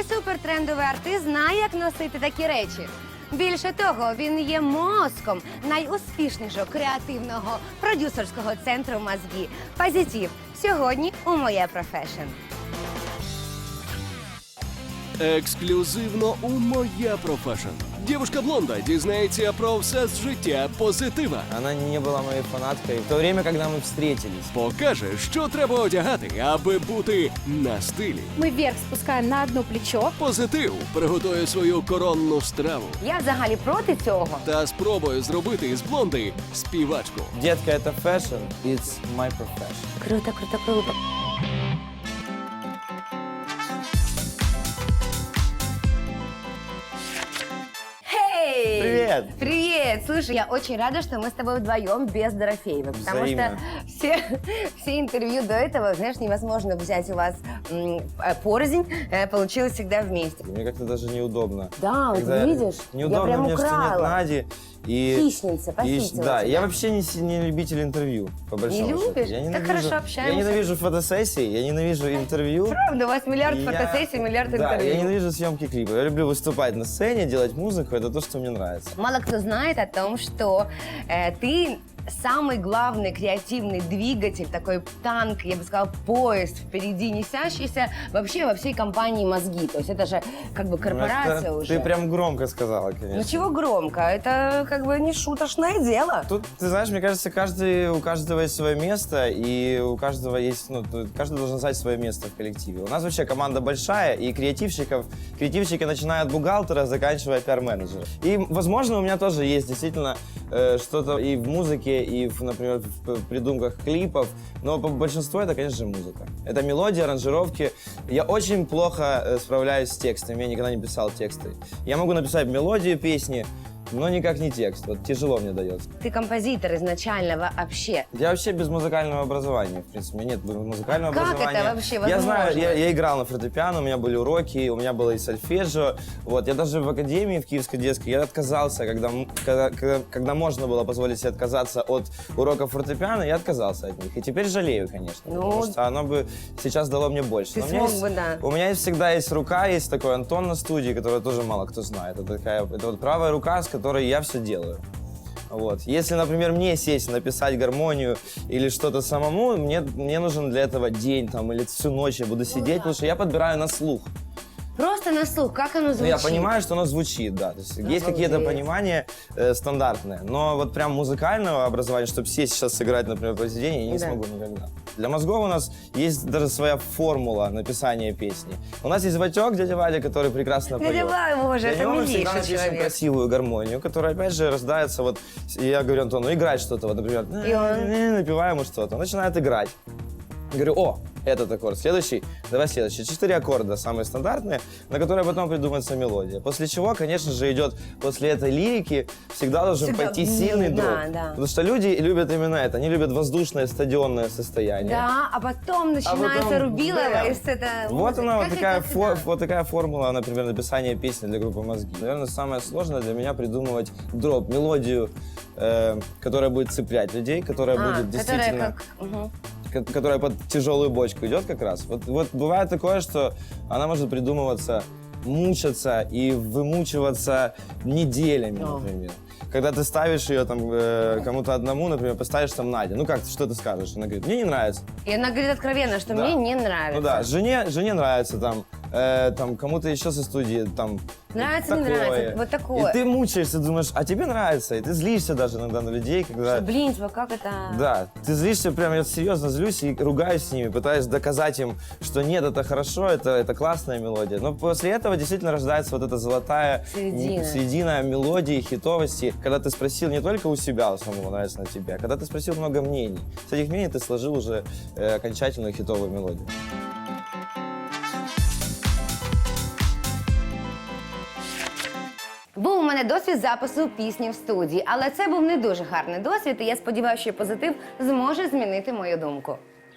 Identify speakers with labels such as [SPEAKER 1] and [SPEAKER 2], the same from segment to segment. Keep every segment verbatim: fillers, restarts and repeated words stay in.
[SPEAKER 1] Цей супертрендовий артист знає, як носити такі речі. Більше того, він є мозком найуспішнішого креативного продюсерського центру «Мозги». Позитив. Сьогодні у «Моє профешн».
[SPEAKER 2] Ексклюзивно у «Моя профешн». Девушка-блонда дізнається про все з життя позитива.
[SPEAKER 3] Она не была моей фанаткой в то время, когда мы встретились.
[SPEAKER 2] Покаже, що треба одягати, аби бути на стилі.
[SPEAKER 4] Мы вверх спускаем на одно плечо.
[SPEAKER 2] Позитив приготує свою коронну страву
[SPEAKER 1] Я взагалі проти цього.
[SPEAKER 2] та спробує зробити із блонди співачку.
[SPEAKER 3] Детка, это фэшн, it's my profession.
[SPEAKER 1] Круто, круто, круто. Эй!
[SPEAKER 3] Привет!
[SPEAKER 1] Привет! Слушай, я очень рада, что мы с тобой вдвоем без Дорофеева, потому
[SPEAKER 3] Взаимно.
[SPEAKER 1] что все, все интервью до этого, знаешь, невозможно взять у вас м, э, порознь, э, получилось всегда вместе.
[SPEAKER 3] Мне как-то даже неудобно.
[SPEAKER 1] Да, вот
[SPEAKER 3] Когда
[SPEAKER 1] видишь,
[SPEAKER 3] неудобно
[SPEAKER 1] я прям
[SPEAKER 3] мне, что нет
[SPEAKER 1] украла.
[SPEAKER 3] Нади. И,
[SPEAKER 1] Хищница,
[SPEAKER 3] и-
[SPEAKER 1] похитила
[SPEAKER 3] Да,
[SPEAKER 1] тебя.
[SPEAKER 3] я вообще не, с- не любитель интервью, по большому счету.
[SPEAKER 1] любишь?
[SPEAKER 3] Я
[SPEAKER 1] Так
[SPEAKER 3] ненавижу-
[SPEAKER 1] хорошо общаемся.
[SPEAKER 3] Я ненавижу фотосессии, я ненавижу интервью.
[SPEAKER 1] Правда, у вас миллиард
[SPEAKER 3] И я-
[SPEAKER 1] фотосессий, миллиард
[SPEAKER 3] Да,
[SPEAKER 1] интервью.
[SPEAKER 3] я ненавижу съемки клипов. Я люблю выступать на сцене, делать музыку, это то, что мне нравится.
[SPEAKER 1] Мало кто знает о том, что э, ты самый главный креативный двигатель, такой танк, я бы сказала, поезд впереди несящийся вообще во всей компании «Мозги». То есть это же как бы корпорация
[SPEAKER 3] Ну, это
[SPEAKER 1] уже.
[SPEAKER 3] Ты прям громко сказала, конечно.
[SPEAKER 1] Ну чего громко? Это как бы не шуточное дело.
[SPEAKER 3] Тут, ты знаешь, мне кажется, каждый, у каждого есть свое место, и у каждого есть, ну, тут каждый должен знать свое место в коллективе. У нас вообще команда большая, и креативщиков, креативщики начиная от бухгалтера, заканчивая пиар-менеджера. И, возможно, у меня тоже есть действительно э, что-то и в музыке, и, в, например, в придумках клипов, но по большинству это, конечно же, музыка. Это мелодии, аранжировки. Я очень плохо э, справляюсь с текстами, я никогда не писал тексты. Я могу написать мелодию песни, но никак не текст. Вот тяжело мне дается.
[SPEAKER 1] Ты композитор изначально вообще.
[SPEAKER 3] Я вообще без музыкального образования, в принципе, у меня нет музыкального
[SPEAKER 1] Как это
[SPEAKER 3] образования.
[SPEAKER 1] вообще
[SPEAKER 3] Я
[SPEAKER 1] возможно?
[SPEAKER 3] знаю, я, я играл на фортепиано, у меня были уроки, у меня было и сольфеджио. Вот, я даже в академии, в Киевской детской, я отказался, когда, м- когда, когда, когда можно было позволить себе отказаться от уроков фортепиано, я отказался от них. И теперь жалею, конечно,
[SPEAKER 1] Ну,
[SPEAKER 3] потому что оно бы сейчас дало мне больше.
[SPEAKER 1] ты
[SPEAKER 3] Но у меня
[SPEAKER 1] смог
[SPEAKER 3] есть-
[SPEAKER 1] бы, да.
[SPEAKER 3] У меня есть, всегда есть рука, есть такой Антон на студии, которого тоже мало кто знает. Это, такая, это вот правая рука, с которой я все делаю. Вот. Если, например, мне сесть, написать гармонию или что-то самому, мне, мне нужен для этого день там, или всю ночь я буду сидеть, потому что я подбираю на слух.
[SPEAKER 1] Просто на слух, как оно
[SPEAKER 3] Ну,
[SPEAKER 1] звучит?
[SPEAKER 3] я понимаю, что оно звучит, да. То есть есть какие-то
[SPEAKER 1] Обалдеть.
[SPEAKER 3] понимания э, стандартные, но вот прям музыкального образования, чтобы сесть сейчас сыграть, например, произведение, я не
[SPEAKER 1] Да.
[SPEAKER 3] смогу никогда. Для мозгов у нас есть даже своя формула написания песни. У нас есть Ватек, дядя Валя, который прекрасно поет.
[SPEAKER 1] Дядя Валя, боже,
[SPEAKER 3] Для
[SPEAKER 1] это
[SPEAKER 3] него мы всегда
[SPEAKER 1] милейший
[SPEAKER 3] напишем
[SPEAKER 1] человек.
[SPEAKER 3] красивую гармонию, которая, опять же, рождается вот... и Я говорю Антону, играть что-то, вот, например,
[SPEAKER 1] И он-
[SPEAKER 3] напеваю ему что-то. Он начинает играть. Говорю, о, этот аккорд, следующий, давай следующий. Четыре аккорда, самые стандартные, на которые потом придумается мелодия. После чего, конечно же, идет после этой лирики всегда должен
[SPEAKER 1] Всегда,
[SPEAKER 3] пойти
[SPEAKER 1] м,
[SPEAKER 3] сильный
[SPEAKER 1] да,
[SPEAKER 3] дроп.
[SPEAKER 1] да.
[SPEAKER 3] Потому что люди любят именно это, они любят воздушное стадионное состояние.
[SPEAKER 1] Да, а потом начинается
[SPEAKER 3] потом,
[SPEAKER 1] Рубилова,
[SPEAKER 3] да.
[SPEAKER 1] и с это...
[SPEAKER 3] Вот она, вот
[SPEAKER 1] Как
[SPEAKER 3] такая,
[SPEAKER 1] это
[SPEAKER 3] фо-
[SPEAKER 1] всегда?
[SPEAKER 3] вот такая формула, например, написания песни для группы «Мозги». Наверное, самое сложное для меня придумывать дроп, мелодию, э, которая будет цеплять людей, которая
[SPEAKER 1] А,
[SPEAKER 3] будет
[SPEAKER 1] которая
[SPEAKER 3] действительно...
[SPEAKER 1] как... Мгм.
[SPEAKER 3] ко- которая под тяжелую бочку идет как раз. Вот, вот бывает такое, что она может придумываться, мучаться и вымучиваться неделями,
[SPEAKER 1] О.
[SPEAKER 3] например. Когда ты ставишь ее там э, кому-то одному, например, поставишь там Надя, ну как, что ты скажешь? Она говорит, мне не нравится.
[SPEAKER 1] И она говорит откровенно, что
[SPEAKER 3] Да.
[SPEAKER 1] мне не нравится.
[SPEAKER 3] Ну да, жене, жене нравится там, э, там кому-то еще со студии там.
[SPEAKER 1] Нравится, не
[SPEAKER 3] такое.
[SPEAKER 1] нравится, вот такое.
[SPEAKER 3] И ты мучаешься, думаешь, а тебе нравится, и ты злишься даже иногда на людей, когда.
[SPEAKER 1] Что, блин, типа, как это...
[SPEAKER 3] Да, ты злишься, прям я серьезно злюсь и ругаюсь с ними, пытаюсь доказать им, что нет, это хорошо, это, это классная мелодия. Но после этого действительно рождается вот эта золотая
[SPEAKER 1] Середина.
[SPEAKER 3] м, середина мелодии, хитовости, когда ты спросил не только у себя, у самого нравится на тебя, когда ты спросил много мнений. С этих мнений ты сложил уже э, окончательную хитовую мелодию.
[SPEAKER 1] Був у мене досвід запису пісні в студії, але це був не дуже гарний досвід, і я сподіваюся, що позитив зможе змінити мою думку.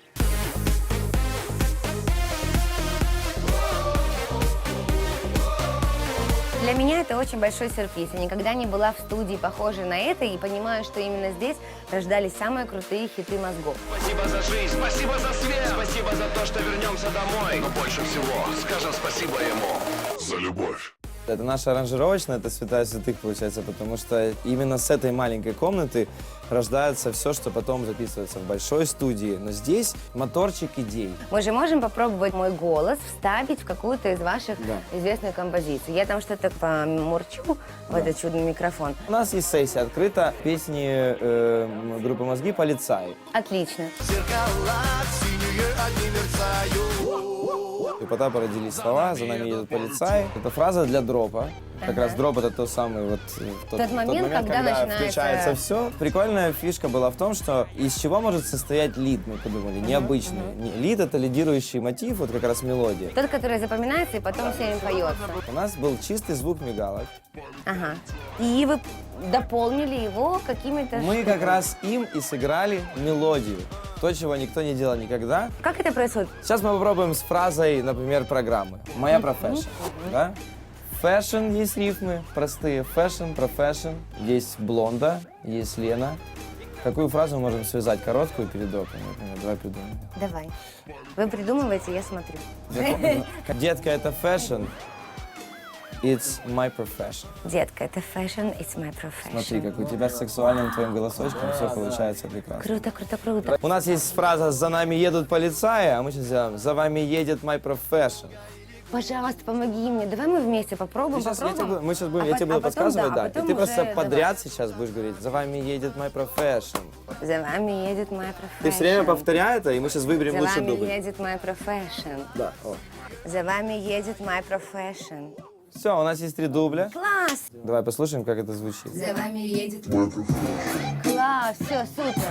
[SPEAKER 1] Для меня это очень большой сюрприз. Я никогда не была в студии, похожей на это, и понимаю, что именно здесь рождались самые крутые хиты мозгов.
[SPEAKER 5] Спасибо за жизнь, спасибо за свет, спасибо за то, что вернемся домой. Но больше всего скажем спасибо ему за любовь.
[SPEAKER 3] Это наша аранжировочная, это святая святых получается, потому что именно с этой маленькой комнаты рождается все, что потом записывается в большой студии. Но здесь моторчик идей.
[SPEAKER 1] Мы же можем попробовать мой голос вставить в какую-то из ваших
[SPEAKER 3] Да.
[SPEAKER 1] известных композиций. Я там что-то помурчу в
[SPEAKER 3] Да.
[SPEAKER 1] этот чудный микрофон.
[SPEAKER 3] У нас есть сессия открыта песни э, группы «Мозги» «Полицай».
[SPEAKER 1] Отлично.
[SPEAKER 3] У Потапа родились слова «За нами едут полицаи». Это фраза для дропа. Как
[SPEAKER 1] Ага.
[SPEAKER 3] раз дроп — это тот самый вот э, тот,
[SPEAKER 1] Тот момент, когда начинается-
[SPEAKER 3] включается все. Прикольная фишка была в том, что из чего может состоять лид, мы подумали, необычный. Не- Лид — это лидирующий мотив, вот как раз мелодия.
[SPEAKER 1] Тот, который запоминается и потом всем поется.
[SPEAKER 3] У нас был чистый звук мигалок.
[SPEAKER 1] Ага. И вы дополнили его какими-то...
[SPEAKER 3] Мы как раз им и сыграли мелодию. То, чего никто не делал никогда.
[SPEAKER 1] Как это происходит?
[SPEAKER 3] Сейчас мы попробуем с фразой, например, программы. Моя профессия. Да? Фэшн, есть рифмы простые. Фэшн, профэшн. Есть блонда, есть Лена. Какую фразу мы можем связать короткую перед дропом? Например, давай придумаем.
[SPEAKER 1] Давай. Вы придумываете, я смотрю.
[SPEAKER 3] Детка, это фэшн. It's my profession.
[SPEAKER 1] Детка, это fashion, it's my profession.
[SPEAKER 3] Смотри, как у тебя с сексуальным твоим голосочком все получается прекрасно.
[SPEAKER 1] Круто, круто, круто.
[SPEAKER 3] У нас есть фраза «За нами едут полицаи», а мы сейчас сделаем «За вами едет my profession».
[SPEAKER 1] Пожалуйста, помоги мне. Давай мы вместе попробуем,
[SPEAKER 3] Сейчас я тебе,
[SPEAKER 1] попробуем.
[SPEAKER 3] буду- мы сейчас будем,
[SPEAKER 1] А
[SPEAKER 3] я
[SPEAKER 1] по-
[SPEAKER 3] тебе
[SPEAKER 1] а
[SPEAKER 3] буду
[SPEAKER 1] потом,
[SPEAKER 3] подсказывать,
[SPEAKER 1] да,
[SPEAKER 3] да.
[SPEAKER 1] а
[SPEAKER 3] И
[SPEAKER 1] потом
[SPEAKER 3] ты просто
[SPEAKER 1] уже
[SPEAKER 3] подряд сейчас будешь говорить «За вами едет my profession».
[SPEAKER 1] давай. За вами едет my profession.
[SPEAKER 3] Ты все время повторяй это, и мы сейчас выберем
[SPEAKER 1] За
[SPEAKER 3] лучший
[SPEAKER 1] вами
[SPEAKER 3] дубль.
[SPEAKER 1] едет my profession.
[SPEAKER 3] Да. О.
[SPEAKER 1] За вами едет my profession.
[SPEAKER 3] Все, у нас есть три дубля.
[SPEAKER 1] Класс!
[SPEAKER 3] Давай послушаем, как это звучит.
[SPEAKER 1] За вами едет my profession. Класс, все, супер.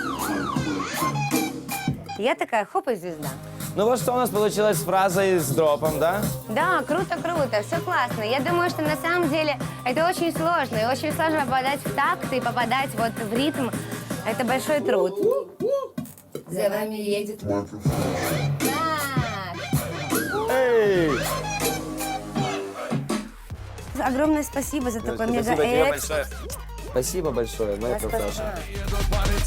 [SPEAKER 1] Я такая, хоп, и звезда.
[SPEAKER 3] Ну вот что у нас получилось с фразой с дропом, да?
[SPEAKER 1] Да, круто, круто, все классно. Я думаю, что на самом деле это очень сложно. И очень сложно попадать в такт и попадать вот в ритм. Это большой труд. За вами едет... Так.
[SPEAKER 3] Эй!
[SPEAKER 1] Огромное спасибо за такой мега
[SPEAKER 3] Спасибо тебе
[SPEAKER 1] экс.
[SPEAKER 3] большое. Спасибо большое, my profession.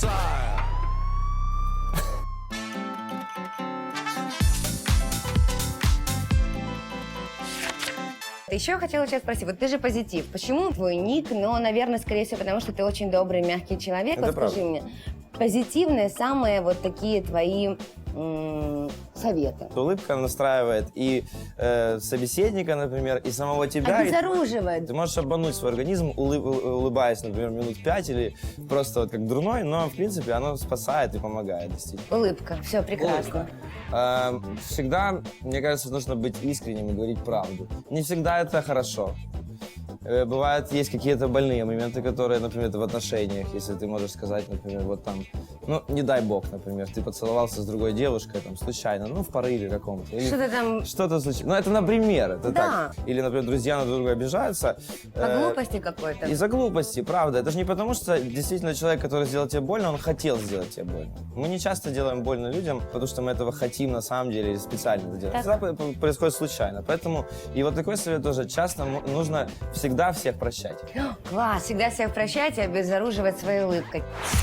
[SPEAKER 1] Еще я хотела тебя спросить, вот ты же позитив. Почему твой ник? Ну, наверное, скорее всего, потому что ты очень добрый, мягкий человек.
[SPEAKER 3] Это
[SPEAKER 1] Вот скажи
[SPEAKER 3] правда.
[SPEAKER 1] мне, позитивные самые вот такие твои м, советы.
[SPEAKER 3] Улыбка настраивает и э, собеседника, например, и самого тебя. и-
[SPEAKER 1] Обезоруживает.
[SPEAKER 3] Ты можешь обмануть свой организм, улы- у- улыбаясь, например, минут пять или просто вот как дурной, но, в принципе, оно спасает и помогает действительно.
[SPEAKER 1] Улыбка. Все прекрасно.
[SPEAKER 3] Э, Всегда, мне кажется, нужно быть искренним и говорить правду. Не всегда это хорошо. Э, Бывают, есть какие-то больные моменты, которые, например, в отношениях, если ты можешь сказать, например, вот там, ну, не дай бог, например, ты поцеловался с другой девушкой, там, случайно, ну, в порыве каком-то. или
[SPEAKER 1] Что-то там
[SPEAKER 3] Что-то случилось. Ну, это, например, это
[SPEAKER 1] Да.
[SPEAKER 3] так. Или, например, друзья на друг друга обижаются.
[SPEAKER 1] по
[SPEAKER 3] э,
[SPEAKER 1] глупости какой-то.
[SPEAKER 3] Из-за глупости, правда. Это же не потому, что действительно человек, который сделал тебе больно, он хотел сделать тебе больно. Мы не часто делаем больно людям, потому что мы этого хотим на самом деле или специально это делаем.
[SPEAKER 1] Так.
[SPEAKER 3] Всегда п- п- происходит случайно. Поэтому и вот такой совет тоже. Часто м- нужно всегда всех прощать.
[SPEAKER 1] Класс, всегда всех прощать и обезоруживать своей улыбкой.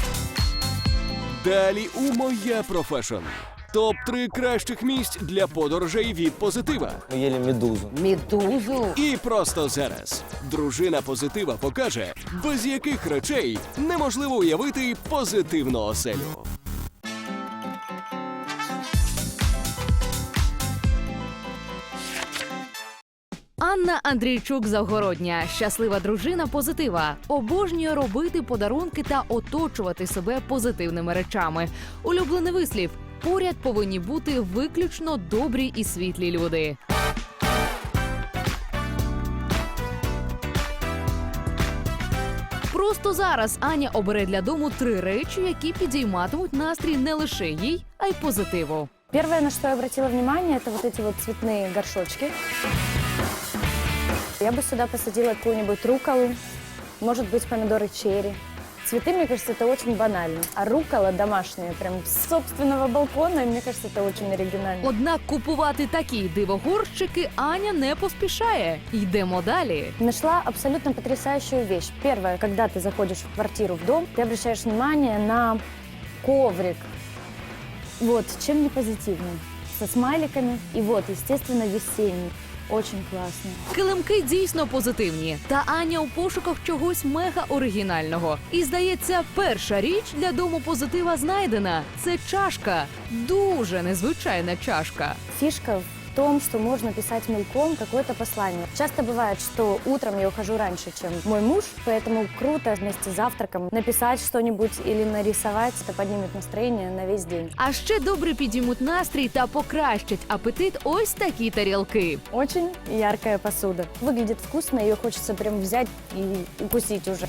[SPEAKER 2] Далі у «Моя профешн». Топ три кращих місць для подорожей від позитива.
[SPEAKER 3] Мы ели медузу.
[SPEAKER 1] Медузу.
[SPEAKER 2] І просто зараз дружина позитива покаже, без яких речей неможливо уявити позитивну оселю.
[SPEAKER 6] Анна Андрійчук Завгородня, щаслива дружина позитива, обожнює робити подарунки та оточувати себе позитивними речами. Улюблений вислів: поряд повинні бути виключно добрі і світлі люди. Просто зараз Аня обере для дому три речі, які підійматимуть настрій не лише їй, а й позитиву.
[SPEAKER 4] Первое, на что я обратила внимание, это вот эти вот цветные горшочки. Я бы сюда посадила какую-нибудь рукколу, может быть, помидоры черри. Цветы, мне кажется, это очень банально. А руккола домашняя, прям с собственного балкона, и мне кажется, это очень оригинально.
[SPEAKER 6] Однак купувати такі дивогорщики Аня не поспішає. Йдемо далі.
[SPEAKER 4] Нашла абсолютно потрясающую вещь. Первое, когда ты заходишь в квартиру, в дом, ты обращаешь внимание на коврик. Вот, чем не позитивный. со смайликами. И вот, естественно, весенний. Очень классный.
[SPEAKER 6] Килимки дійсно позитивні. Та Аня у пошуках чогось мега оригінального. І, здається, перша річ для дому позитива знайдена. Це чашка. Дуже незвичайна чашка.
[SPEAKER 4] Фишка в том, что можно писать мелком какое-то послание. Часто бывает, что утром я ухожу раньше, чем мой муж, поэтому круто вместе с завтраком написать что-нибудь или нарисовать. Это поднимет настроение на весь день.
[SPEAKER 6] А ще добре підіймуть настрій та покращать апетит ось такі тарілки.
[SPEAKER 4] Очень яркая посуда. Выглядит вкусно, ее хочется прям взять и укусить уже.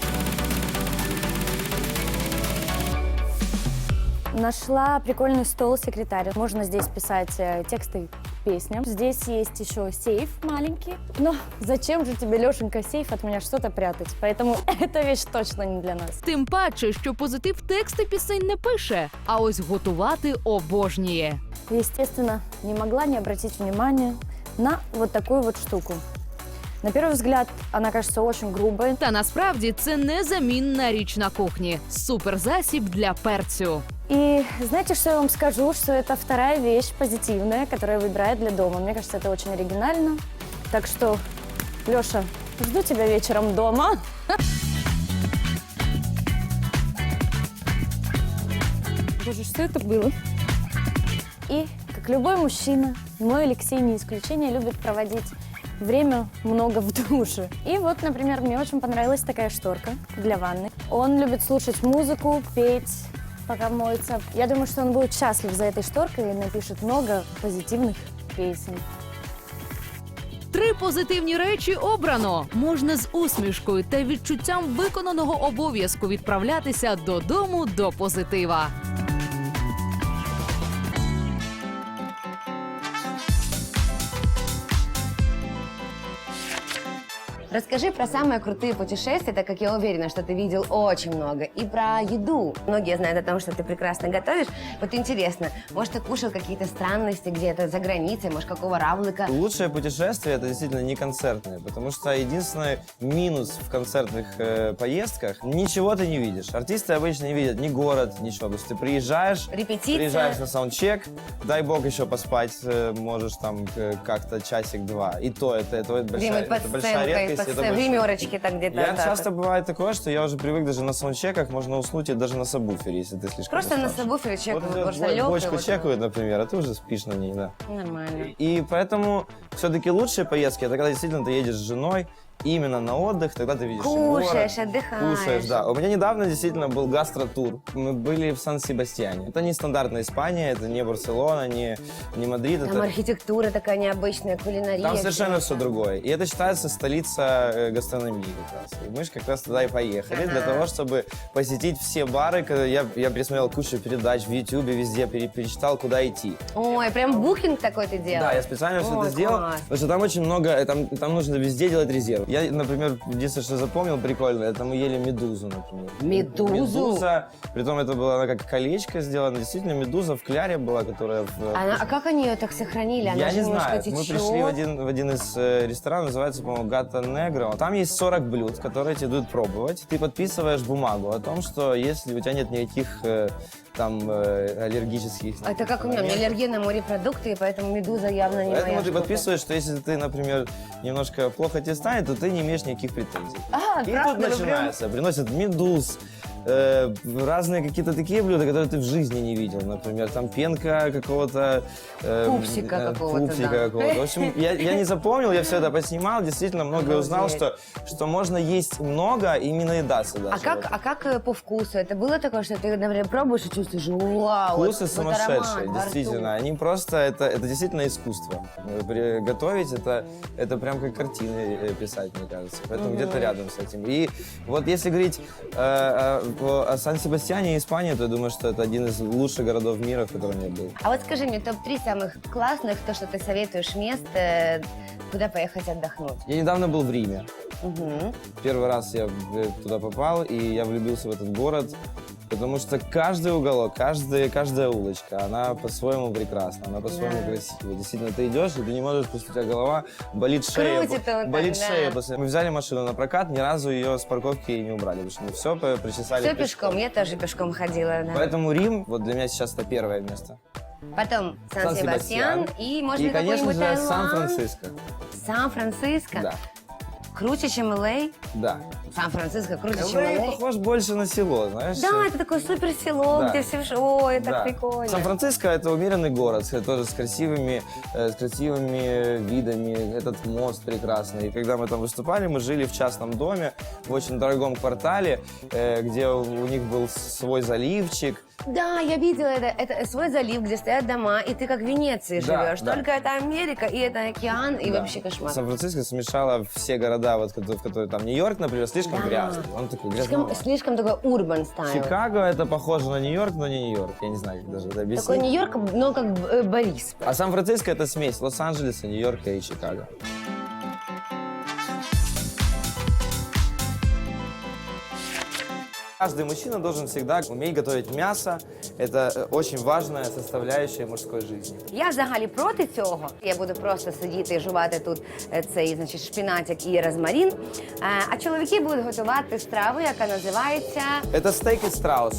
[SPEAKER 4] Нашла прикольный стол-секретарь. Можно здесь писать э, тексты песням. Здесь есть еще сейф маленький. Но зачем же тебе, Лешенька, сейф от меня что-то прятать? Поэтому эта вещь точно не для нас.
[SPEAKER 6] Тим паче, що позитив тексти пісень не пише, а ось готувати обожнює.
[SPEAKER 4] Естественно, не могла не обратить внимания на вот такую вот штуку. На первый взгляд, она кажется очень грубой.
[SPEAKER 6] Та насправді це незамінна річ на кухні. Суперзасіб для перцю.
[SPEAKER 4] И знаете, что я вам скажу? Что это вторая вещь позитивная, которую я выбираю для дома. Мне кажется, это очень оригинально. Так что, Леша, жду тебя вечером дома. Боже, что это было? И, как любой мужчина, мой Алексей не исключение, любит проводить время много в душе. И вот, например, мне очень понравилась такая шторка для ванны. Он любит слушать музыку, петь, пока моется. Я думаю, что он будет счастлив за этой шторкой и напишет много позитивных песен.
[SPEAKER 6] Три позитивні речі обрано. Можна з усмішкою та відчуттям виконаного обов'язку відправлятися додому до позитива.
[SPEAKER 1] Расскажи про самые крутые путешествия, так как я уверена, что ты видел очень много. И про еду. Многие знают о том, что ты прекрасно готовишь. Вот интересно, может, ты кушал какие-то странности где-то за границей, может, какого равлика?
[SPEAKER 3] Лучшее путешествие — это действительно не концертное, потому что единственный минус в концертных э, поездках — ничего ты не видишь. Артисты обычно не видят ни город, ничего. То есть ты приезжаешь,
[SPEAKER 1] Репетиция.
[SPEAKER 3] приезжаешь на саундчек, дай бог еще поспать э, можешь там э, как-то часик-два. И то это, это, это большая,
[SPEAKER 1] Где-нибудь под
[SPEAKER 3] это большая
[SPEAKER 1] сценкой,
[SPEAKER 3] редкость.
[SPEAKER 1] под
[SPEAKER 3] это
[SPEAKER 1] сцен-
[SPEAKER 3] большая-
[SPEAKER 1] гримерочки так где-то.
[SPEAKER 3] Я
[SPEAKER 1] да,
[SPEAKER 3] часто
[SPEAKER 1] так.
[SPEAKER 3] бывает такое, что я уже привык даже на саундчеках, можно уснуть и даже на сабвуфере, если ты слишком
[SPEAKER 1] Просто на
[SPEAKER 3] уставший.
[SPEAKER 1] сабвуфере
[SPEAKER 3] Вот
[SPEAKER 1] чекают,
[SPEAKER 3] идет
[SPEAKER 1] просто
[SPEAKER 3] бо-
[SPEAKER 1] лёг.
[SPEAKER 3] бочку чекают, например, а ты уже спишь на ней, да.
[SPEAKER 1] Нормально.
[SPEAKER 3] И поэтому все-таки лучшие поездки — это когда действительно ты едешь с женой именно на отдых, тогда ты видишь
[SPEAKER 1] Кушаешь,
[SPEAKER 3] город,
[SPEAKER 1] отдыхаешь.
[SPEAKER 3] кушаешь, да. У меня недавно действительно был гастротур. Мы были в Сан-Себастьяне. Это не стандартная Испания, это не Барселона, не, не Мадрид.
[SPEAKER 1] Там
[SPEAKER 3] это...
[SPEAKER 1] архитектура такая необычная, кулинария.
[SPEAKER 3] Там совершенно
[SPEAKER 1] всё.
[SPEAKER 3] все другое. И это считается столица э, гастрономии как раз. И мы же как раз туда и поехали, для
[SPEAKER 1] Ага.
[SPEAKER 3] того, чтобы посетить все бары. Когда я, я пересмотрел кучу передач в Ютубе, везде пере- перечитал, куда идти.
[SPEAKER 1] Ой, прям букинг такой ты делал?
[SPEAKER 3] Да, я специально все
[SPEAKER 1] Ой,
[SPEAKER 3] это сделал,
[SPEAKER 1] класс.
[SPEAKER 3] потому что там очень много, э, там, там нужно везде делать резерв. Я, например, единственное, что запомнил прикольно, это мы ели медузу, например.
[SPEAKER 1] Медузу?
[SPEAKER 3] Медуза, притом это была она как колечко сделано, действительно медуза в кляре была, которая в...
[SPEAKER 1] Она- а как они ее так сохранили? Она
[SPEAKER 3] Я
[SPEAKER 1] же
[SPEAKER 3] не
[SPEAKER 1] немножко
[SPEAKER 3] знаю.
[SPEAKER 1] течет.
[SPEAKER 3] Мы пришли в один, в один из э, ресторанов, называется, по-моему, Гата Негро. Там есть сорок блюд, которые тебе дают пробовать. Ты подписываешь бумагу о том, что если у тебя нет никаких э, там э, аллергических...
[SPEAKER 1] Это как у меня, у меня
[SPEAKER 3] моментов,
[SPEAKER 1] аллергия на морепродукты, и поэтому медуза явно не моя
[SPEAKER 3] Поэтому ты
[SPEAKER 1] штука.
[SPEAKER 3] подписываешь, что если ты, например, немножко плохо тебе станет, то ты не имеешь никаких претензий.
[SPEAKER 1] А,
[SPEAKER 3] И
[SPEAKER 1] правда?
[SPEAKER 3] тут
[SPEAKER 1] Вы прям-
[SPEAKER 3] начинается. Приносят медуз, э, разные какие-то такие блюда, которые ты в жизни не видел. Например, там пенка какого-то... э,
[SPEAKER 1] Пупсика
[SPEAKER 3] э,
[SPEAKER 1] какого-то,
[SPEAKER 3] пупсика
[SPEAKER 1] да.
[SPEAKER 3] какого-то. В общем, я, я не запомнил, я все это поснимал, действительно многое узнал,
[SPEAKER 1] Обалдеть.
[SPEAKER 3] что, что можно есть много и не наедаться даже.
[SPEAKER 1] А как,
[SPEAKER 3] Вот.
[SPEAKER 1] а как э, по вкусу? Это было такое, что ты, например, пробуешь и чувствуешь, вау, вот-
[SPEAKER 3] Вкусы
[SPEAKER 1] вот
[SPEAKER 3] сумасшедшие,
[SPEAKER 1] аромат во рту.
[SPEAKER 3] действительно. Они просто, это, это действительно искусство. Э, при- Готовить это, это прям как картины э, писать, мне кажется. Поэтому где-то рядом с этим. И вот если говорить э, о, о- о Сан-Себастьяне и Испании, то я думаю, что это один из лучших городов мира, в котором я был.
[SPEAKER 1] А вот скажи мне, топ-три самых классных, то, что ты советуешь мест, э, куда поехать отдохнуть?
[SPEAKER 3] Я недавно был в Риме.
[SPEAKER 1] Мгм.
[SPEAKER 3] Первый раз я э, туда попал, и я влюбился в этот город. Потому что каждый уголок, каждая, каждая улочка, она по-своему прекрасна, она по-своему
[SPEAKER 1] Да.
[SPEAKER 3] красивая. Действительно, ты идешь, и ты не можешь, просто у тебя голова болит шея.
[SPEAKER 1] Крутит он так,
[SPEAKER 3] болит
[SPEAKER 1] да.
[SPEAKER 3] шея. после- Мы взяли машину на прокат, ни разу ее с парковки не убрали, потому что мы все по- причесали
[SPEAKER 1] Все пешком, я тоже пешком ходила. Да.
[SPEAKER 3] Поэтому Рим, вот для меня сейчас это первое место.
[SPEAKER 1] Потом Сан-Себастьян и, может
[SPEAKER 3] И,
[SPEAKER 1] быть,
[SPEAKER 3] конечно
[SPEAKER 1] какой-нибудь
[SPEAKER 3] же,
[SPEAKER 1] Таиланд.
[SPEAKER 3] Сан-Франциско.
[SPEAKER 1] Сан-Франциско?
[SPEAKER 3] Да,
[SPEAKER 1] Круче, чем Л А?
[SPEAKER 3] да.
[SPEAKER 1] Сан-Франциско круче, чем
[SPEAKER 3] Л А
[SPEAKER 1] Л А?
[SPEAKER 3] похож больше на село, знаешь?
[SPEAKER 1] Да, это такое супер село,
[SPEAKER 3] Да.
[SPEAKER 1] где все... ж- Ой, это
[SPEAKER 3] Да.
[SPEAKER 1] так прикольно.
[SPEAKER 3] Сан-Франциско — это умеренный город, с- тоже с красивыми, э, с красивыми видами, этот мост прекрасный. И когда мы там выступали, мы жили в частном доме, в очень дорогом квартале, э, где у у них был свой заливчик.
[SPEAKER 1] Да, я видела это. Это свой залив, где стоят дома, и ты как в Венеции
[SPEAKER 3] Да,
[SPEAKER 1] живешь.
[SPEAKER 3] да.
[SPEAKER 1] Только это Америка, и это океан, и
[SPEAKER 3] Да.
[SPEAKER 1] вообще кошмар.
[SPEAKER 3] Сан-Франциско смешало все города, вот, в которые там Нью-Йорк, например, слишком
[SPEAKER 1] Да.
[SPEAKER 3] грязный. Он такой
[SPEAKER 1] Слишком,
[SPEAKER 3] грязный.
[SPEAKER 1] слишком такой урбан стайл.
[SPEAKER 3] Чикаго — это похоже на Нью-Йорк, но не Нью-Йорк. Я не знаю, как даже это объяснить.
[SPEAKER 1] Такой Нью-Йорк, но как э, Борис.
[SPEAKER 3] А Сан-Франциско — это смесь Лос-Анджелеса, Нью-Йорка и Чикаго. Каждый мужчина должен всегда уметь готовить мясо. Это э, очень важная составляющая мужской жизни.
[SPEAKER 1] Я взагалі проти цього. Я буду просто сидіти і жувати тут е, цей, значить, шпинатик і розмарин. Е, А чоловіки будуть готувати страву, яка називається
[SPEAKER 3] Это стейк из страус.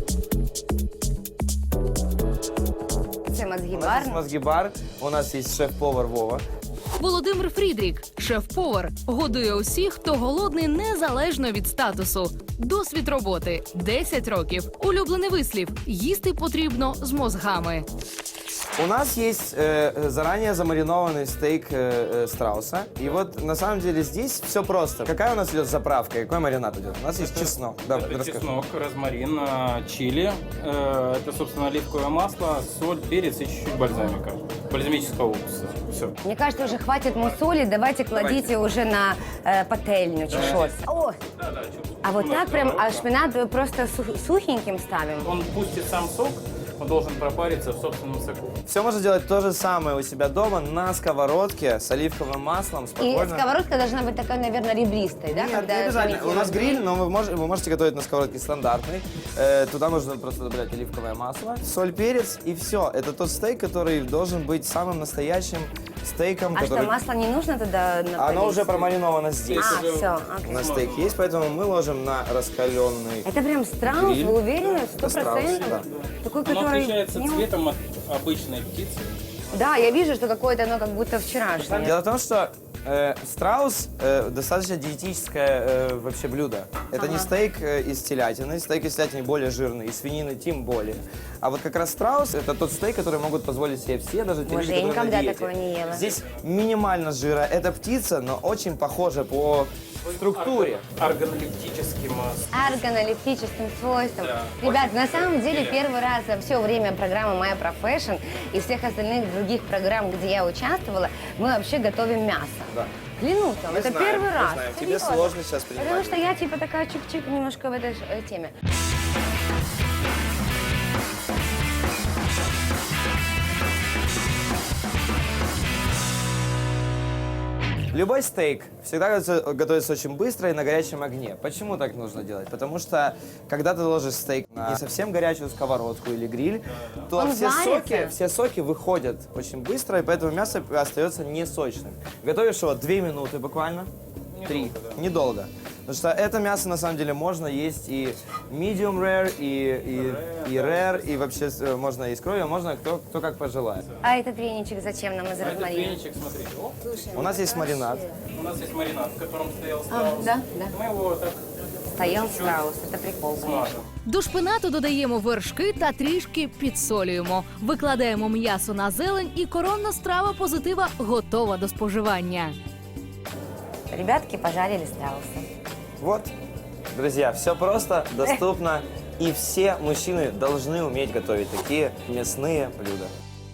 [SPEAKER 1] це
[SPEAKER 3] У нас есть
[SPEAKER 1] мозгібар.
[SPEAKER 3] мозги-бар, у нас есть шеф-повар Вова.
[SPEAKER 6] Володимир Фрідрік, шеф-повар, годує усіх, хто голодний незалежно від статусу. Досвід роботи десять років. Улюблений вислів їсти потрібно з мозгами.
[SPEAKER 3] У нас есть э, заранее замаринованный стейк э, э, страуса. И вот на самом деле здесь все просто. Какая у нас идет заправка? Какой маринад идет? У нас есть чеснок. Давай,
[SPEAKER 7] Это
[SPEAKER 3] расскажи.
[SPEAKER 7] чеснок, розмарин, а, чили. Э, Это, собственно, оливковое масло, соль, перец и чуть-чуть бальзамика. Бальзамического уксуса. Все.
[SPEAKER 1] Мне кажется, уже хватит мусоли, давайте кладите уже на э, пательню чи щось. О, а вот так прям, а шпинат просто су- сухеньким ставим?
[SPEAKER 7] Он пустит сам сок, он должен пропариться в собственном соку.
[SPEAKER 3] Все можно делать то же самое у себя дома на сковородке с оливковым маслом.
[SPEAKER 1] И
[SPEAKER 3] Спокойно.
[SPEAKER 1] сковородка должна быть такая, наверное, ребристой, да?
[SPEAKER 3] Нет,
[SPEAKER 1] когда
[SPEAKER 3] не обязательно.
[SPEAKER 1] заметила
[SPEAKER 3] У нас
[SPEAKER 1] гриль.
[SPEAKER 3] гриль, но вы, мож- вы можете готовить на сковородке стандартной. Э, туда нужно просто добавлять оливковое масло, соль, перец и все. Это тот стейк, который должен быть самым настоящим стейком.
[SPEAKER 1] А
[SPEAKER 3] который...
[SPEAKER 1] что, масло не нужно тогда на
[SPEAKER 3] Оно уже промариновано здесь.
[SPEAKER 1] А, все,
[SPEAKER 3] У
[SPEAKER 1] окей.
[SPEAKER 3] нас стейк есть, поэтому мы ложим на раскаленный.
[SPEAKER 1] Это прям страус,
[SPEAKER 3] Гриль.
[SPEAKER 1] вы уверены? Сто
[SPEAKER 3] Это страус,
[SPEAKER 1] процентов?
[SPEAKER 3] да.
[SPEAKER 1] Такой,
[SPEAKER 7] Оно
[SPEAKER 1] который...
[SPEAKER 7] отличается
[SPEAKER 1] не-
[SPEAKER 7] цветом от обычной птицы.
[SPEAKER 1] Да, я вижу, что какое-то оно как будто вчерашнее.
[SPEAKER 3] Дело в том, что э, страус э, достаточно диетическое э, вообще блюдо. Это не стейк э, из телятины. Стейк из телятины более жирный, из свинины тем более. А вот как раз страус — это тот стейк, который могут позволить себе все, даже те
[SPEAKER 1] Боже,
[SPEAKER 3] люди,
[SPEAKER 1] я
[SPEAKER 3] которые
[SPEAKER 1] никогда
[SPEAKER 3] на диете.
[SPEAKER 1] такого не ела.
[SPEAKER 3] Здесь минимально жира. Это птица, но очень похожа по структуре.
[SPEAKER 7] Органолептическим а,
[SPEAKER 1] Органолептическим свойством.
[SPEAKER 7] Да.
[SPEAKER 1] Ребят,
[SPEAKER 7] Очень
[SPEAKER 1] на самом деле
[SPEAKER 7] интересно.
[SPEAKER 1] первый раз за все время программы «Моя профессион» и всех остальных других программ, где я участвовала, мы вообще готовим мясо.
[SPEAKER 3] Да.
[SPEAKER 1] Клянусь вам,
[SPEAKER 3] Мы
[SPEAKER 1] это
[SPEAKER 3] знаем,
[SPEAKER 1] первый
[SPEAKER 3] мы
[SPEAKER 1] раз.
[SPEAKER 3] знаем. Тебе
[SPEAKER 1] Серьезно.
[SPEAKER 3] сложно сейчас принимать.
[SPEAKER 1] Потому что я типа такая чик-чик немножко в этой э, теме.
[SPEAKER 3] Любой стейк всегда готовится, готовится очень быстро и на горячем огне. Почему так нужно делать? Потому что, когда ты ложишь стейк на не совсем горячую сковородку или гриль, то
[SPEAKER 1] Он
[SPEAKER 3] все
[SPEAKER 1] варится?
[SPEAKER 3] соки, все соки выходят очень быстро, и поэтому мясо остается не сочным. Готовишь его две минуты буквально. Три. Недолго. Потому что это мясо, на самом деле, можно есть и medium rare, и, и, и rare, и вообще э, можно и с кровью, а можно кто, кто как пожелает.
[SPEAKER 1] А этот веничек зачем нам из
[SPEAKER 7] этот
[SPEAKER 1] розмарина?
[SPEAKER 7] веничек, смотрите, оп,
[SPEAKER 3] У нас есть маринад.
[SPEAKER 7] у нас есть маринад, в котором стоял
[SPEAKER 1] А,
[SPEAKER 7] страус.
[SPEAKER 1] да, да.
[SPEAKER 7] Мы его вот так
[SPEAKER 1] Стоял страус, это прикол, конечно.
[SPEAKER 7] смажем.
[SPEAKER 6] До шпинату додаємо вершки та трішки підсолюємо. Викладаємо м'ясо на зелень, і коронна страва позитива готова до споживання.
[SPEAKER 1] Ребятки пожарили страуса.
[SPEAKER 3] Вот, друзья, все просто, доступно, и все мужчины должны уметь готовить такие мясные блюда.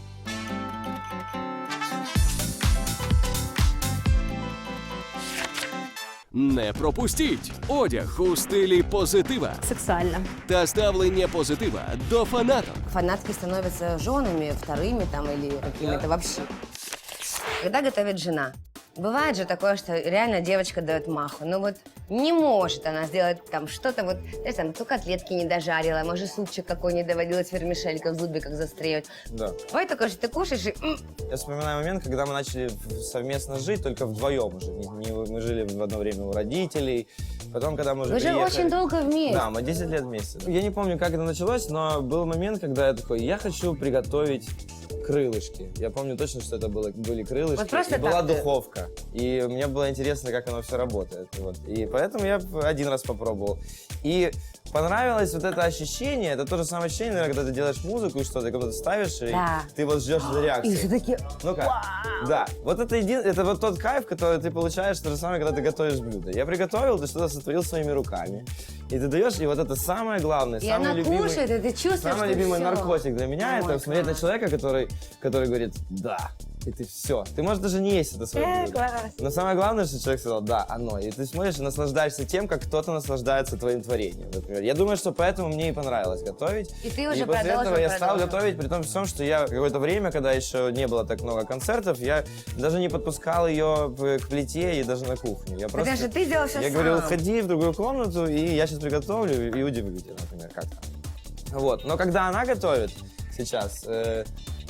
[SPEAKER 2] Не пропустіть одяг у стилі позитива
[SPEAKER 4] Сексуально.
[SPEAKER 2] та ставлення позитива до фанаток.
[SPEAKER 1] Фанатки становятся женами, вторыми там или какими-то вообще. Когда готовит жена, Бывает же такое, что реально девочка дает маху, но вот не может она сделать там что-то, вот, знаешь, там, то котлетки не дожарила, может, супчик какой не доводилось, вермишелька в зубе как застреет.
[SPEAKER 3] Да.
[SPEAKER 1] Бывает такое, что ты кушаешь и... м,
[SPEAKER 3] Я вспоминаю момент, когда мы начали в- совместно жить, только вдвоем уже. Не- не- мы жили в одно время у родителей. Потом, когда мы уже
[SPEAKER 1] Вы же
[SPEAKER 3] приехали-
[SPEAKER 1] очень долго вместе.
[SPEAKER 3] Да, мы десять лет вместе. Я не помню, как это началось, но был момент, когда я такой, я хочу приготовить крылышки. Я помню точно, что это было, были крылышки.
[SPEAKER 1] Вот просто
[SPEAKER 3] и была
[SPEAKER 1] так ты-
[SPEAKER 3] духовка. И мне было интересно, как оно все работает. Вот. И поэтому я один раз попробовал. И понравилось вот это ощущение. Это то же самое ощущение, наверное, когда ты делаешь музыку и что-то, когда ты ставишь, и
[SPEAKER 1] Да.
[SPEAKER 3] ты вот ждешь этой
[SPEAKER 1] И
[SPEAKER 3] реакции.
[SPEAKER 1] все таки
[SPEAKER 3] Ну как? Да. Вот это, един... это вот тот кайф, который ты получаешь, то же самое, когда ты готовишь блюдо. Я приготовил, ты что-то сотворил своими руками. И ты даешь, и вот это самое главное,
[SPEAKER 1] И
[SPEAKER 3] самый
[SPEAKER 1] она
[SPEAKER 3] любимый...
[SPEAKER 1] кушает, и ты чувствуешь,
[SPEAKER 3] Самый
[SPEAKER 1] что
[SPEAKER 3] любимый
[SPEAKER 1] всё.
[SPEAKER 3] наркотик для меня
[SPEAKER 1] Ой,
[SPEAKER 3] это смотреть на
[SPEAKER 1] класс.
[SPEAKER 3] человека, который, который говорит «да». И ты все. Ты можешь даже не есть это свое
[SPEAKER 1] Э,
[SPEAKER 3] блюдо.
[SPEAKER 1] класс.
[SPEAKER 3] Но самое главное, что человек сказал «да, оно». И ты смотришь и наслаждаешься тем, как кто-то наслаждается твоим творением, например. Я думаю, что поэтому мне и понравилось готовить.
[SPEAKER 1] И ты уже
[SPEAKER 3] и после
[SPEAKER 1] продолжил,
[SPEAKER 3] этого я стал
[SPEAKER 1] продолжил.
[SPEAKER 3] готовить, при том всем, что я какое-то время, когда еще не было так много концертов, я даже не подпускал ее к плите и даже на кухню. Я просто...
[SPEAKER 1] Потому что ты делал всё
[SPEAKER 3] Я
[SPEAKER 1] сам.
[SPEAKER 3] говорил, ходи в другую комнату, и я сейчас приготовлю и удивлю тебя, например, как там. Вот. Но когда она готовит сейчас, э,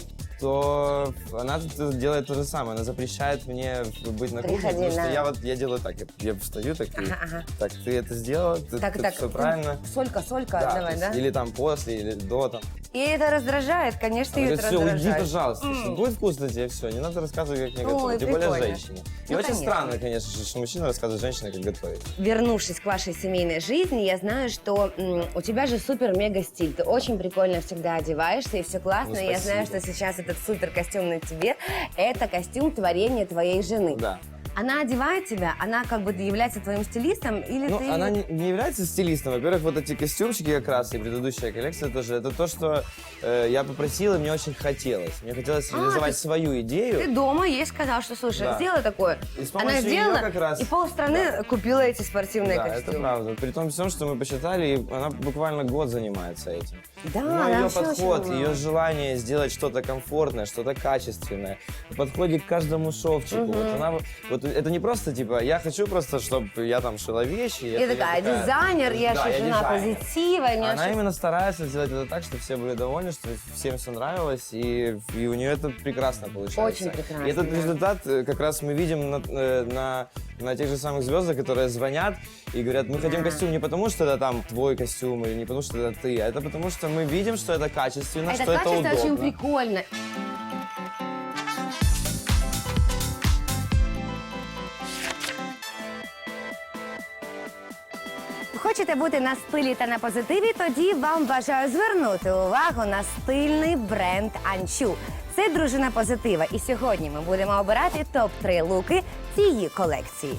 [SPEAKER 3] то она т- делает то же самое. Она запрещает мне быть на кухне,
[SPEAKER 1] Приходи
[SPEAKER 3] потому что
[SPEAKER 1] на-
[SPEAKER 3] я вот я делаю так, я, я встаю так, и,
[SPEAKER 1] Ага, ага.
[SPEAKER 3] так, ты это сделала, ты,
[SPEAKER 1] Так,
[SPEAKER 3] ты
[SPEAKER 1] так,
[SPEAKER 3] все
[SPEAKER 1] ты-
[SPEAKER 3] правильно.
[SPEAKER 1] Солька, солька,
[SPEAKER 3] Да,
[SPEAKER 1] давай,
[SPEAKER 3] то
[SPEAKER 1] да?
[SPEAKER 3] есть или там после, или до там.
[SPEAKER 1] И это раздражает, конечно, ее это
[SPEAKER 3] все, уйди,
[SPEAKER 1] раздражает.
[SPEAKER 3] пожалуйста.
[SPEAKER 1] М.
[SPEAKER 3] Если будет вкусно тебе, все, не надо рассказывать, как мне
[SPEAKER 1] Ой,
[SPEAKER 3] готовить. Тем более
[SPEAKER 1] прикольно.
[SPEAKER 3] женщине. И
[SPEAKER 1] Ну,
[SPEAKER 3] очень
[SPEAKER 1] конечно.
[SPEAKER 3] странно, конечно же, что мужчина рассказывает женщине, как готовить.
[SPEAKER 1] Вернувшись к вашей семейной жизни, я знаю, что м, у тебя же супер-мега стиль. Ты очень прикольно всегда одеваешься, и все классно.
[SPEAKER 3] Ну,
[SPEAKER 1] И я знаю,
[SPEAKER 3] спасибо.
[SPEAKER 1] что сейчас этот супер костюм на тебе – это костюм творения твоей жены.
[SPEAKER 3] Да.
[SPEAKER 1] Она одевает тебя, она как бы является твоим стилистом, или
[SPEAKER 3] Ну,
[SPEAKER 1] ты…
[SPEAKER 3] она не, не является стилистом. Во-первых, вот эти костюмчики как раз и предыдущая коллекция тоже, это то, что э, я попросил, и мне очень хотелось. Мне хотелось
[SPEAKER 1] А,
[SPEAKER 3] реализовать
[SPEAKER 1] ты-
[SPEAKER 3] свою идею.
[SPEAKER 1] Ты дома ей сказал, что, слушай,
[SPEAKER 3] Да.
[SPEAKER 1] сделай такое.
[SPEAKER 3] И с
[SPEAKER 1] Она
[SPEAKER 3] помощью
[SPEAKER 1] сделала,
[SPEAKER 3] её как раз-
[SPEAKER 1] и полстраны купила эти спортивные
[SPEAKER 3] Да,
[SPEAKER 1] костюмы.
[SPEAKER 3] это правда. При том всем, что мы посчитали, и она буквально год занимается этим.
[SPEAKER 1] Да,
[SPEAKER 3] Но
[SPEAKER 1] она
[SPEAKER 3] ее
[SPEAKER 1] вообще
[SPEAKER 3] подход,
[SPEAKER 1] очень
[SPEAKER 3] ее
[SPEAKER 1] умна.
[SPEAKER 3] желание сделать что-то комфортное, что-то качественное, в подходе к каждому шовчику. Вот она, вот это не просто типа, я хочу просто, чтобы я там шила вещи.
[SPEAKER 1] Я такая, дизайнер, я
[SPEAKER 3] Да,
[SPEAKER 1] же жена
[SPEAKER 3] дизайнер.
[SPEAKER 1] позитива. у меня
[SPEAKER 3] Она
[SPEAKER 1] всё-
[SPEAKER 3] именно старается сделать это так, чтобы все были довольны, что всем все нравилось, и, и у нее это прекрасно получается.
[SPEAKER 1] Очень прекрасно,
[SPEAKER 3] И этот
[SPEAKER 1] да.
[SPEAKER 3] результат э, как раз мы видим на, э, на, на тех же самых звездах, которые звонят и говорят, мы хотим костюм не потому, что это там твой костюм, или не потому, что это ты, а это потому, что мы видим, что это качественно,
[SPEAKER 1] Это
[SPEAKER 3] что это
[SPEAKER 1] качество
[SPEAKER 3] удобно.
[SPEAKER 1] очень прикольно. Хочете бути на стилі та на позитиві? Тоді вам бажаю звернути увагу на стильний бренд Анчу. Це дружина позитива. І сьогодні ми будемо обирати топ три луки цієї колекції.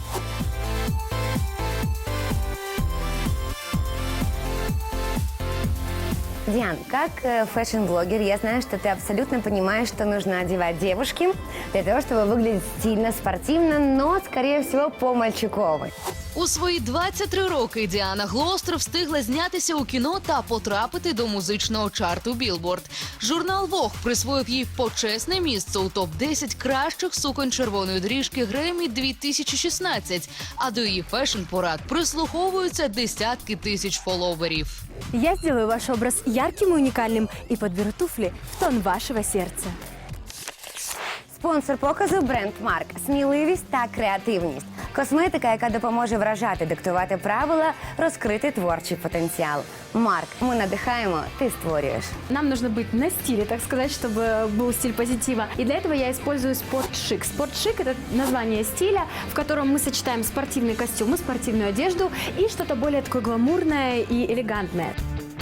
[SPEAKER 1] Диан, как э, фэшн-блогер, я знаю, что ты абсолютно понимаешь, что нужно одевать девушке для того, чтобы выглядеть стильно, спортивно, но, скорее всего, по-мальчиковой.
[SPEAKER 6] У свої двадцять три роки Діана Глостер встигла знятися у кіно та потрапити до музичного чарту Білборд. Журнал Vogue присвоїв їй почесне місце у топ десять кращих суконь червоної доріжки Греммі дві тисячі шістнадцять, а до її фешн-порад прислуховуються десятки тисяч фоловерів.
[SPEAKER 8] Я сделаю ваш образ ярким и уникальным и подберу туфли в тон вашего сердца.
[SPEAKER 1] Спонсор показу – бренд Марк. Сміливість та креативність. Косметика, яка допоможе вражати, диктувати правила, розкрити творчий потенціал. Марк, ми надихаємо, ти створюєш.
[SPEAKER 8] Нам нужно быть на стиле, так сказать, чтобы был стиль позитива. И для этого я использую спортшик. Спортшик – это название стиля, в котором мы сочетаем спортивные костюмы, спортивную одежду и что-то более такое гламурное и элегантное.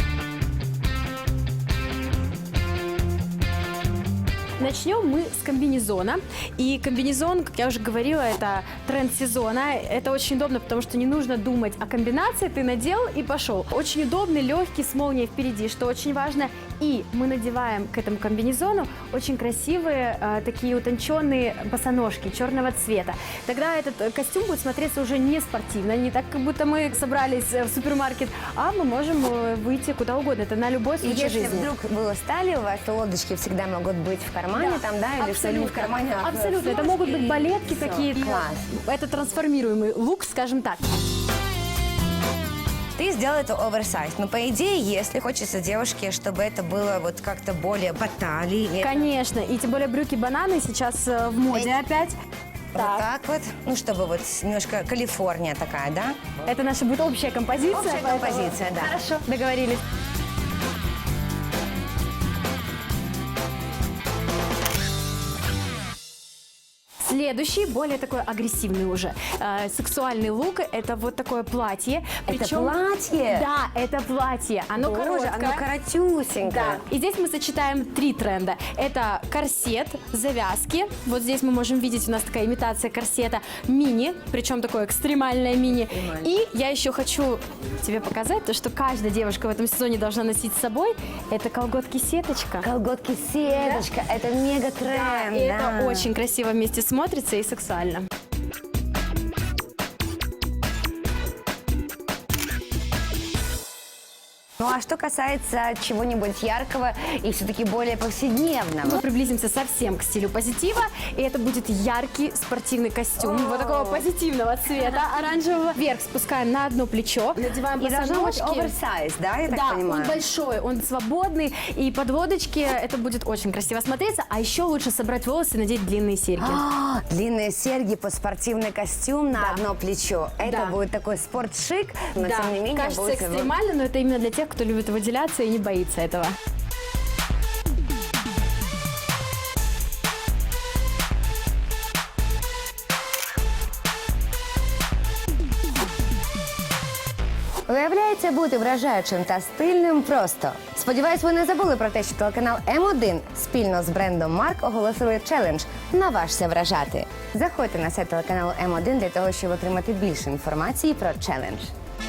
[SPEAKER 8] Начнем мы с комбинезона. И комбинезон, как я уже говорила, это тренд сезона. Это очень удобно, потому что не нужно думать о комбинации. Ты надел и пошел. Очень удобный, легкий, с молнией впереди, что очень важно. И мы надеваем к этому комбинезону очень красивые, э, такие утонченные босоножки черного цвета. Тогда этот э, костюм будет смотреться уже не спортивно, не так, как будто мы собрались э, в супермаркет, а мы можем э, выйти куда угодно. Это на любой
[SPEAKER 1] И
[SPEAKER 8] случай
[SPEAKER 1] если
[SPEAKER 8] жизни.
[SPEAKER 1] вдруг вы устали, у вас лодочки всегда могут быть в кармане, кармане там, да, или что не в кармане, а в
[SPEAKER 8] Абсолютно. Это
[SPEAKER 1] сумочке,
[SPEAKER 8] могут быть
[SPEAKER 1] и
[SPEAKER 8] балетки
[SPEAKER 1] всё.
[SPEAKER 8] какие-то.
[SPEAKER 1] Класс.
[SPEAKER 8] Это трансформируемый лук, скажем так.
[SPEAKER 1] Ты сделал это оверсайз. Но, по идее, если хочется девушке, чтобы это было вот как-то более по талии. это
[SPEAKER 8] Конечно. И тем более брюки-бананы сейчас э, в моде
[SPEAKER 1] Эй.
[SPEAKER 8] опять.
[SPEAKER 1] Вот так вот. Ну, чтобы вот немножко Калифорния такая, да?
[SPEAKER 8] Это наша будет общая композиция.
[SPEAKER 1] Общая
[SPEAKER 8] поэтому-
[SPEAKER 1] композиция, да.
[SPEAKER 8] Хорошо, договорились. Следующий, более такой агрессивный уже, э, сексуальный лук. Это вот такое платье.
[SPEAKER 1] Это
[SPEAKER 8] Причем-
[SPEAKER 1] платье?
[SPEAKER 8] Да, это платье. Оно
[SPEAKER 1] Боже,
[SPEAKER 8] короткое.
[SPEAKER 1] оно коротюсенькое.
[SPEAKER 8] Да. И здесь мы сочетаем три тренда. Это корсет, завязки. Вот здесь мы можем видеть, у нас такая имитация корсета. Мини, причем такое экстремальное мини. И я еще хочу тебе показать то, что каждая девушка в этом сезоне должна носить с собой. Это колготки-сеточка.
[SPEAKER 1] Колготки сеточка, это мега тренд.
[SPEAKER 8] И это очень красиво вместе смотрится и сексуально.
[SPEAKER 1] Ну а что касается чего-нибудь яркого и все-таки более повседневного?
[SPEAKER 8] Мы приблизимся совсем к стилю позитива, и это будет яркий спортивный костюм, вот такого позитивного цвета, оранжевого. Вверх спускаем на одно плечо, надеваем
[SPEAKER 1] И должно быть
[SPEAKER 8] босоножки.
[SPEAKER 1] оверсайз, да, я так
[SPEAKER 8] Да,
[SPEAKER 1] понимаю?
[SPEAKER 8] он большой, он свободный, и подводочки, это будет очень красиво смотреться, а еще лучше собрать волосы и надеть длинные серьги.
[SPEAKER 1] А, длинные серьги под спортивный костюм на
[SPEAKER 8] Да.
[SPEAKER 1] одно плечо. Это
[SPEAKER 8] Да.
[SPEAKER 1] будет такой спортшик, но
[SPEAKER 8] Да,
[SPEAKER 1] тем не менее
[SPEAKER 8] кажется
[SPEAKER 1] будет...
[SPEAKER 8] экстремально, но это именно для тех, кто любит выделяться и не боится этого.
[SPEAKER 1] Виявляється, бути вражаючим та стильним просто. Сподіваюсь, ви не забули про те, що телеканал М один спільно з брендом Марк оголосили челендж «Наважся вражати». Заходьте на сайт телеканалу М один для того, щоб отримати більше інформації про челендж.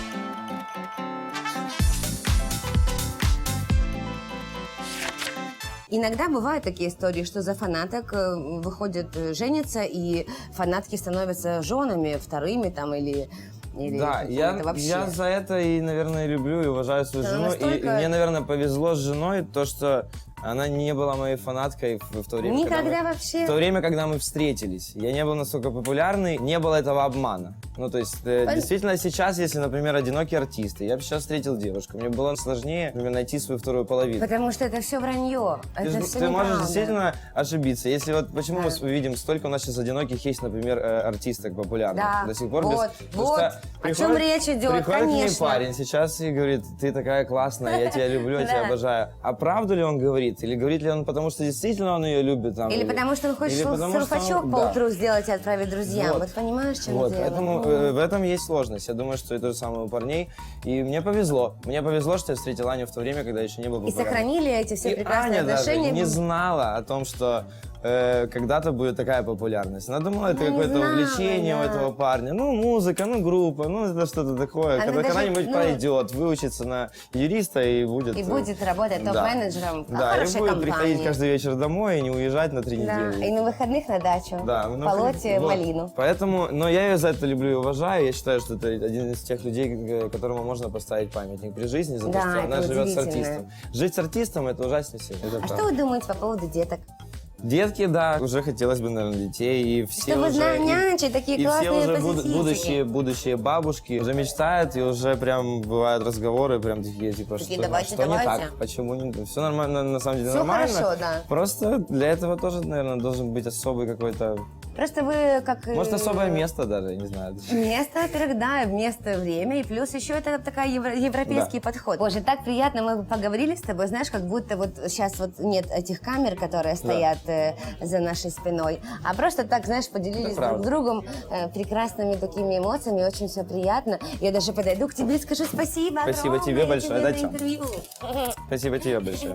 [SPEAKER 1] Иногда бывают такие истории, что за фанаток э, выходят, э, женятся, и фанатки становятся женами вторыми там или... или
[SPEAKER 3] Да, я,
[SPEAKER 1] какими-то вообще.
[SPEAKER 3] я за это и, наверное, люблю и уважаю свою
[SPEAKER 1] Да,
[SPEAKER 3] жену.
[SPEAKER 1] настолько-
[SPEAKER 3] И, и мне, наверное, повезло с женой, то, что она не была моей фанаткой в, в то время, когда
[SPEAKER 1] Никогда
[SPEAKER 3] мы,
[SPEAKER 1] вообще?
[SPEAKER 3] в то время, когда мы встретились. Я не был настолько популярный, не было этого обмана. Ну, то есть, э,
[SPEAKER 1] Пон-
[SPEAKER 3] действительно, сейчас, если, например, одинокий артист, и я бы сейчас встретил девушку, мне было сложнее, например, найти свою вторую половину.
[SPEAKER 1] Потому что это все вранье.
[SPEAKER 3] Ты,
[SPEAKER 1] Это
[SPEAKER 3] ж-
[SPEAKER 1] все
[SPEAKER 3] ты можешь
[SPEAKER 1] неправда.
[SPEAKER 3] действительно ошибиться. Если вот почему
[SPEAKER 1] Да.
[SPEAKER 3] мы видим, столько у нас сейчас одиноких есть, например, э, артисток популярных
[SPEAKER 1] Да,
[SPEAKER 3] до сих пор.
[SPEAKER 1] вот,
[SPEAKER 3] без,
[SPEAKER 1] вот.
[SPEAKER 3] просто
[SPEAKER 1] О
[SPEAKER 3] приходит-
[SPEAKER 1] чем речь идет,
[SPEAKER 3] Приходит к ней
[SPEAKER 1] конечно.
[SPEAKER 3] парень сейчас и говорит: ты такая классная, я тебя люблю, я тебя
[SPEAKER 1] Да.
[SPEAKER 3] обожаю. А правду ли он говорит? Или говорит ли он потому, что действительно он ее любит? Там,
[SPEAKER 1] Или потому что он хочет
[SPEAKER 3] или потому, что
[SPEAKER 1] сурфачок
[SPEAKER 3] он-
[SPEAKER 1] по
[SPEAKER 3] да.
[SPEAKER 1] утру сделать и отправить друзьям. Вот,
[SPEAKER 3] Вот.
[SPEAKER 1] понимаешь, в чем
[SPEAKER 3] Вот,
[SPEAKER 1] дело?
[SPEAKER 3] поэтому э, в этом есть сложность. Я думаю, что это же самое у парней. И мне повезло. Мне повезло, что я встретил Аню в то время, когда еще не был
[SPEAKER 1] И
[SPEAKER 3] популярным.
[SPEAKER 1] сохранили эти все
[SPEAKER 3] И
[SPEAKER 1] прекрасные
[SPEAKER 3] Аня даже
[SPEAKER 1] отношения.
[SPEAKER 3] не знала о том, что э, когда-то будет такая популярность. Она думала, это
[SPEAKER 1] Она не
[SPEAKER 3] какое-то
[SPEAKER 1] знала,
[SPEAKER 3] увлечение у
[SPEAKER 1] да.
[SPEAKER 3] этого парня. Ну, музыка, ну, группа, ну, это что-то такое.
[SPEAKER 1] Она
[SPEAKER 3] Когда
[SPEAKER 1] даже,
[SPEAKER 3] когда-нибудь
[SPEAKER 1] ну,
[SPEAKER 3] пройдет, выучится на юриста и будет...
[SPEAKER 1] И
[SPEAKER 3] э,
[SPEAKER 1] будет работать
[SPEAKER 3] да.
[SPEAKER 1] топ-менеджером в
[SPEAKER 3] Да, и
[SPEAKER 1] хорошей
[SPEAKER 3] будет
[SPEAKER 1] компании.
[SPEAKER 3] приходить каждый вечер домой и не уезжать на три
[SPEAKER 1] Да,
[SPEAKER 3] недели.
[SPEAKER 1] и на выходных на дачу.
[SPEAKER 3] Да, ну,
[SPEAKER 1] полоть
[SPEAKER 3] вот.
[SPEAKER 1] малину.
[SPEAKER 3] Поэтому, но я ее за это люблю и уважаю. Я считаю, что это один из тех людей, э, которому можно поставить памятник при жизни за то,
[SPEAKER 1] Да,
[SPEAKER 3] что
[SPEAKER 1] это
[SPEAKER 3] она живет с
[SPEAKER 1] удивительно.
[SPEAKER 3] артистом. Жить с артистом — это ужаснее всего. Это
[SPEAKER 1] А
[SPEAKER 3] правда.
[SPEAKER 1] что вы думаете по поводу деток?
[SPEAKER 3] Детки, да, уже хотелось бы, наверное, детей, и все
[SPEAKER 1] Чтобы
[SPEAKER 3] уже... и-
[SPEAKER 1] нянчить такие
[SPEAKER 3] и
[SPEAKER 1] классные
[SPEAKER 3] все уже буд-
[SPEAKER 1] позитивчики.
[SPEAKER 3] будущие, будущие бабушки уже мечтают, и уже прям бывают разговоры, прям такие, типа,
[SPEAKER 1] Такие,
[SPEAKER 3] что,
[SPEAKER 1] давайте,
[SPEAKER 3] что не
[SPEAKER 1] давайте.
[SPEAKER 3] так, почему не... Все нормально, на самом деле
[SPEAKER 1] Всё
[SPEAKER 3] нормально.
[SPEAKER 1] хорошо, да.
[SPEAKER 3] Просто для этого тоже, наверное, должен быть особый какой-то...
[SPEAKER 1] Просто вы как... э,
[SPEAKER 3] Может, особое место даже, я не знаю.
[SPEAKER 1] Место, во-первых, да, место, время, и плюс еще это такой европейский подход. Боже, так приятно, мы поговорили с тобой, знаешь, как будто вот сейчас вот нет этих камер, которые стоят э, за нашей спиной, а просто так, знаешь, поделились
[SPEAKER 3] Это
[SPEAKER 1] друг с
[SPEAKER 3] правда.
[SPEAKER 1] другом э, прекрасными такими эмоциями, очень все приятно. Я даже подойду к тебе и скажу спасибо.
[SPEAKER 3] Спасибо
[SPEAKER 1] огромное
[SPEAKER 3] тебе большое,
[SPEAKER 1] за
[SPEAKER 3] да, Тём?
[SPEAKER 1] интервью.
[SPEAKER 3] Спасибо тебе большое.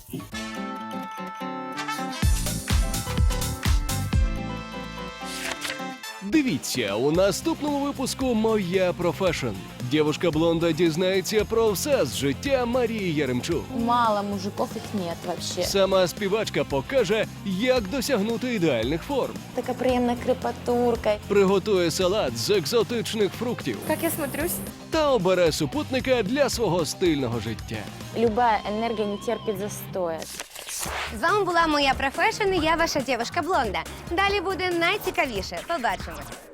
[SPEAKER 2] Дивіться у наступному випуску «Моя профешн». Дівушка-блонда дізнається про все з життя Марії Яремчук.
[SPEAKER 4] Мало мужиков, их нет вообще.
[SPEAKER 2] Сама співачка покаже, як досягнути ідеальних форм.
[SPEAKER 4] Такая приемная крепатурка.
[SPEAKER 2] Приготує салат з екзотичних фруктів
[SPEAKER 4] Как я смотрюсь?
[SPEAKER 2] та обере супутника для свого стильного життя.
[SPEAKER 4] Любая энергия не терпит застоя.
[SPEAKER 1] З вами була моя профешн, і я ваша дівчинка Блонда. Далі буде найцікавіше. Побачимось.